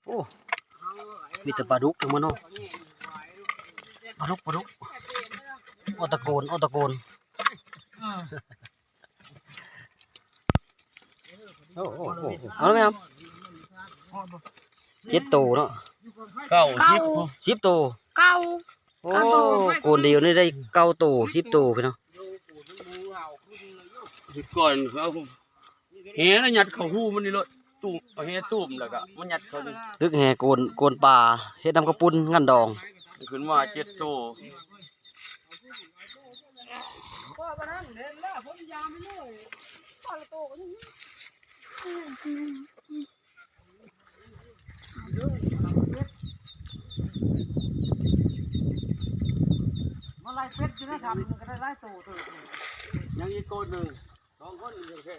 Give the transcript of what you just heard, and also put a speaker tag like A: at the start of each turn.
A: โอ้มีแต่ปลาดุกทั้งมันเนาะปลาดุกโอตะโกนโอ้เอาแล้วไหมครับ7 ตัวเนาะ 10 ตัว
B: เก้า
A: โอ้โกนเดียวนี่ได้9 ตัว10 ตัวพี่เนาะ
C: ก่อนเขาแห่แล้วยัดเข้าหูมันนี่เลยตุ่มเอาแห่ตุ่มแล้วก็มันยัดเข้านี่
A: ตึกแห่โกนปลาเฮ็ดน้ำกระปุ้นงันดอง
C: ขึ้นมา7 โต
A: มาไล่เป็ดอยู่นะครับมันก็ได้ไล่ตัว
C: ยังอีกคนหนึ่ง2 คนยังแค่